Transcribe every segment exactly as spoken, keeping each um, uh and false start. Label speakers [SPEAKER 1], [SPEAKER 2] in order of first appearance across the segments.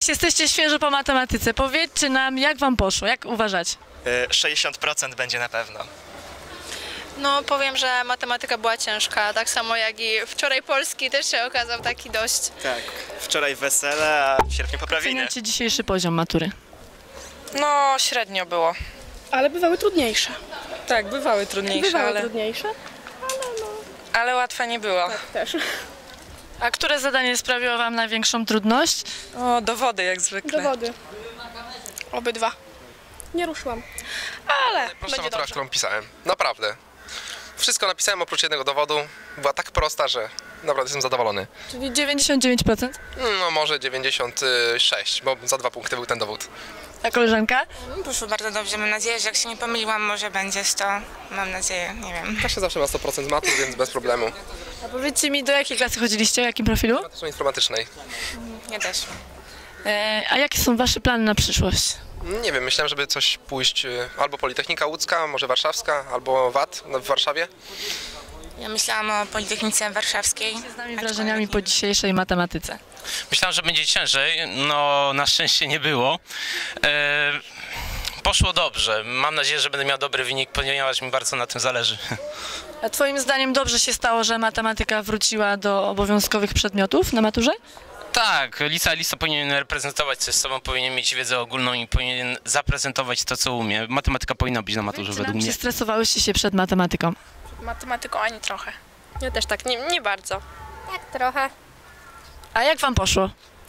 [SPEAKER 1] Jesteście świeżo po matematyce. Powiedzcie nam, jak wam poszło, jak uważacie?
[SPEAKER 2] sześćdziesiąt procent będzie na pewno.
[SPEAKER 3] No powiem, że matematyka była ciężka, tak samo jak i wczoraj polski też się okazał taki dość.
[SPEAKER 2] Tak. Wczoraj wesele, a w sierpniu poprawiny.
[SPEAKER 1] Oceniacie dzisiejszy poziom matury?
[SPEAKER 4] No, średnio było.
[SPEAKER 5] Ale bywały trudniejsze.
[SPEAKER 4] Tak, bywały trudniejsze,
[SPEAKER 5] Bywały
[SPEAKER 4] ale,
[SPEAKER 5] trudniejsze?
[SPEAKER 4] ale łatwe nie było.
[SPEAKER 5] Też.
[SPEAKER 1] A które zadanie sprawiło wam największą trudność?
[SPEAKER 4] O, dowody jak zwykle.
[SPEAKER 5] Dowody. Obydwa. Nie ruszyłam.
[SPEAKER 4] Ale
[SPEAKER 6] Prosta
[SPEAKER 4] będzie
[SPEAKER 6] matura,
[SPEAKER 4] dobrze.
[SPEAKER 6] którą pisałem. Naprawdę. Wszystko napisałem oprócz jednego dowodu. Była tak prosta, że naprawdę jestem zadowolony.
[SPEAKER 1] Czyli dziewięćdziesiąt dziewięć procent.
[SPEAKER 6] No może dziewięćdziesiąt sześć, bo za dwa punkty był ten dowód.
[SPEAKER 1] A koleżanka?
[SPEAKER 7] Poszło bardzo dobrze, mam nadzieję, że jak się nie pomyliłam, może będzie sto. Mam nadzieję, nie wiem.
[SPEAKER 6] Kasia zawsze ma sto procent z matur, więc bez problemu.
[SPEAKER 1] A powiedzcie mi, do jakiej klasy chodziliście, o jakim profilu?
[SPEAKER 6] Zresztą informatycznej.
[SPEAKER 7] Ja też.
[SPEAKER 1] E, a jakie są wasze plany na przyszłość?
[SPEAKER 6] Nie wiem, myślałem, żeby coś pójść y, albo Politechnika Łódzka, może Warszawska, albo W A T w Warszawie.
[SPEAKER 7] Ja myślałam o Politechnice Warszawskiej.
[SPEAKER 1] Z nami wrażeniami po dzisiejszej matematyce.
[SPEAKER 8] Myślałem, że będzie ciężej, no na szczęście nie było. E, poszło dobrze. Mam nadzieję, że będę miał dobry wynik, ponieważ mi bardzo na tym zależy.
[SPEAKER 1] A twoim zdaniem dobrze się stało, że matematyka wróciła do obowiązkowych przedmiotów na maturze?
[SPEAKER 8] Tak, licealista powinien reprezentować coś sobą, powinien mieć wiedzę ogólną i powinien zaprezentować to, co umie. Matematyka powinna być na maturze
[SPEAKER 1] Czy
[SPEAKER 8] według
[SPEAKER 1] nam
[SPEAKER 8] mnie.
[SPEAKER 1] się stresowałyście się przed matematyką?
[SPEAKER 5] Matematyką ani trochę.
[SPEAKER 3] Ja też tak, nie, nie bardzo.
[SPEAKER 5] Tak trochę.
[SPEAKER 1] A jak wam poszło?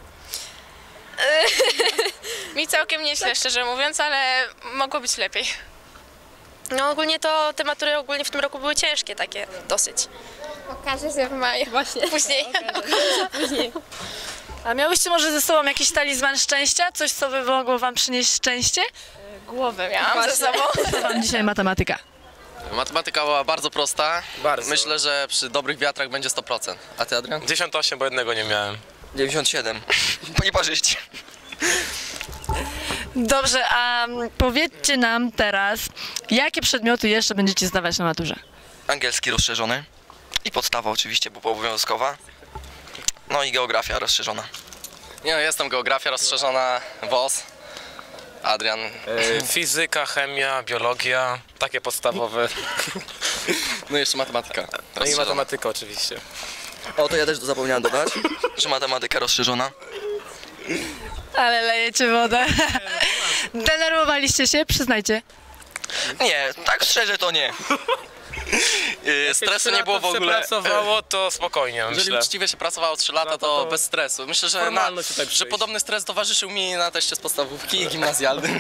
[SPEAKER 3] Mi całkiem nieźle, szczerze mówiąc, ale mogło być lepiej. No ogólnie to te matury ogólnie w tym roku były ciężkie takie dosyć.
[SPEAKER 5] Okaże się w maju. Właśnie.
[SPEAKER 3] Później.
[SPEAKER 5] Później.
[SPEAKER 1] A miałyście może ze sobą jakiś talizman szczęścia? Coś, co by mogło wam przynieść szczęście?
[SPEAKER 3] Głowę miałam ze sobą.
[SPEAKER 1] Co wam dzisiaj matematyka?
[SPEAKER 9] Matematyka była bardzo prosta.
[SPEAKER 2] Bardzo.
[SPEAKER 9] Myślę, że przy dobrych wiatrach będzie sto procent. A ty, Adrian?
[SPEAKER 8] dziewięćdziesiąt osiem, bo jednego nie miałem.
[SPEAKER 9] dziewięćdziesiąt siedem.
[SPEAKER 6] Nieparzyście.
[SPEAKER 1] Dobrze, a mm, powiedzcie nam teraz, jakie przedmioty jeszcze będziecie zdawać na maturze?
[SPEAKER 10] Angielski rozszerzony i podstawa oczywiście, bo obowiązkowa. No i geografia rozszerzona.
[SPEAKER 9] Nie no, jestem geografia rozszerzona, W O S. Adrian.
[SPEAKER 8] Fizyka, chemia, biologia, takie podstawowe.
[SPEAKER 9] No i jeszcze matematyka.
[SPEAKER 6] No i
[SPEAKER 9] rozszerzona.
[SPEAKER 6] matematyka oczywiście.
[SPEAKER 10] O, to ja też zapomniałem dodać, że matematyka rozszerzona.
[SPEAKER 1] Ale lejecie wodę. Denerwowaliście się? Przyznajcie.
[SPEAKER 10] Nie, tak szczerze to nie.
[SPEAKER 9] Yy, Stresu nie było w ogóle.
[SPEAKER 8] Pracowało to spokojnie,
[SPEAKER 9] Jeżeli
[SPEAKER 8] myślę.
[SPEAKER 9] uczciwie się pracowało trzy lata, to bez stresu. Myślę, że, na, że podobny stres towarzyszył mi na teście z podstawówki i gimnazjalnym.